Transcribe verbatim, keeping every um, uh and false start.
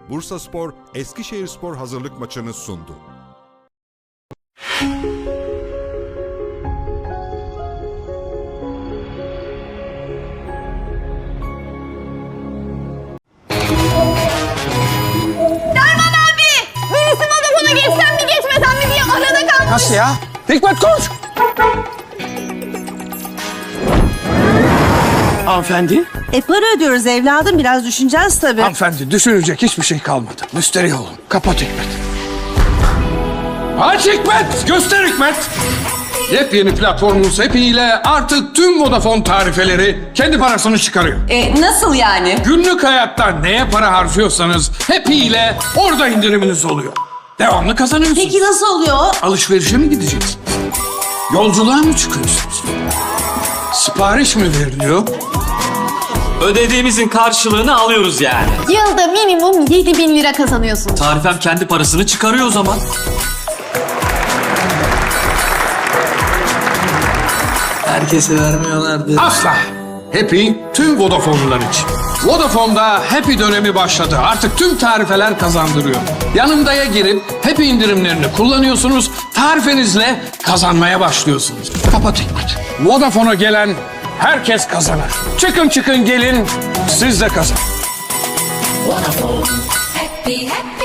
Bursaspor Eskişehirspor hazırlık maçını sundu. Derman abi! Birisi Vodafone'a geçsem mi geçmesem mi diye arada kalmış. Nasıl ya? Hikmet koş! Hanımefendi? E para ödüyoruz evladım, biraz düşüneceğiz tabii. Hanımefendi düşünecek hiçbir şey kalmadı. Müsterih olun. Kapat Hikmet. Aç Hikmet! Göster Hikmet! Yepyeni platformumuz Happy ile artık tüm Vodafone tarifeleri kendi parasını çıkarıyor. E, nasıl yani? Günlük hayatta neye para harcıyorsanız Happy ile orada indiriminiz oluyor. Devamlı kazanıyorsunuz. Peki nasıl oluyor? Alışverişe mi gideceksiniz? Yolculuğa mı çıkıyorsunuz? Sipariş mi veriliyor? Ödediğimizin karşılığını alıyoruz yani. Yılda minimum yedi bin lira kazanıyorsun. Tarifem kendi parasını çıkarıyor o zaman. Herkese vermiyorlardı. Asla. Happy tüm Vodafone'lular için. Vodafone'da Happy dönemi başladı. Artık tüm tarifeler kazandırıyor. Yanımdaya girip Happy indirimlerini kullanıyorsunuz. Tarifenizle kazanmaya başlıyorsunuz. Kapat Hikmet. Vodafone'a gelen herkes kazanır. Çıkın çıkın gelin, siz de kazanın. Happy, happy.